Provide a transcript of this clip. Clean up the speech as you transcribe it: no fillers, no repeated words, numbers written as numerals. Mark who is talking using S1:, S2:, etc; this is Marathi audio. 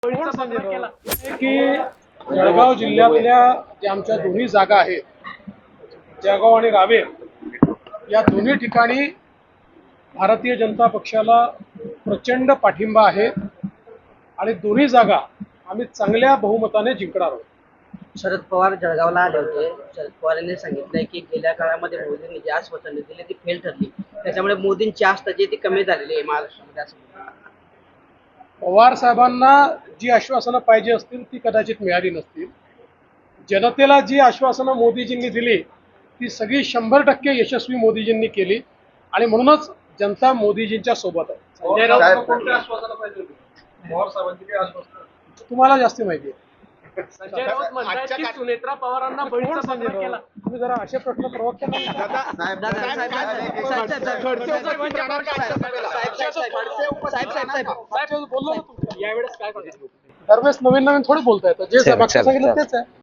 S1: की जळगाव जिल्ह्यातल्या ज्या आमच्या दोन्ही जागा आहेत, जळगाव आणि रावेर, या दोन्ही ठिकाणी भारतीय जनता पक्षाला प्रचंड पाठिंबा आहे आणि दोन्ही जागा आम्ही चांगल्या बहुमताने जिंकणार आहोत.
S2: शरद पवार जळगावला आले होते. शरद पवार यांनी सांगितलंय की गेल्या काळामध्ये मोदींनी जी आश्वासनं दिली ती फेल ठरली, त्याच्यामुळे मोदींची आस्था जी ती कमी झालेली आहे महाराष्ट्रामध्ये असं.
S1: पवार साहेबांना जी आश्वासनं पाहिजे असतील ती कदाचित मिळाली नसतील. जनतेला जी आश्वासनं मोदीजींनी दिली ती सगळी 100% यशस्वी मोदीजींनी केली आणि म्हणूनच जनता मोदीजींच्या सोबत आहे.
S3: संजय राऊत कोणत्या आश्वासनं पाहिजे होती? पवार साहेबांची काही आश्वासनं
S1: तुम्हाला जास्त माहिती आहे.
S3: संजय राऊत म्हणतात की सुनेत्रा पवारांना बळीचा पत्र केला.
S1: तुम्ही जरा असे प्रश्न प्रवक्त्यांना
S3: बोललो ना तुम्ही. यावेळेस काय करणार?
S1: दरवेळेस नवीन नवीन थोडी बोलता येतं. जे मागचं सांगितलं तेच आहे.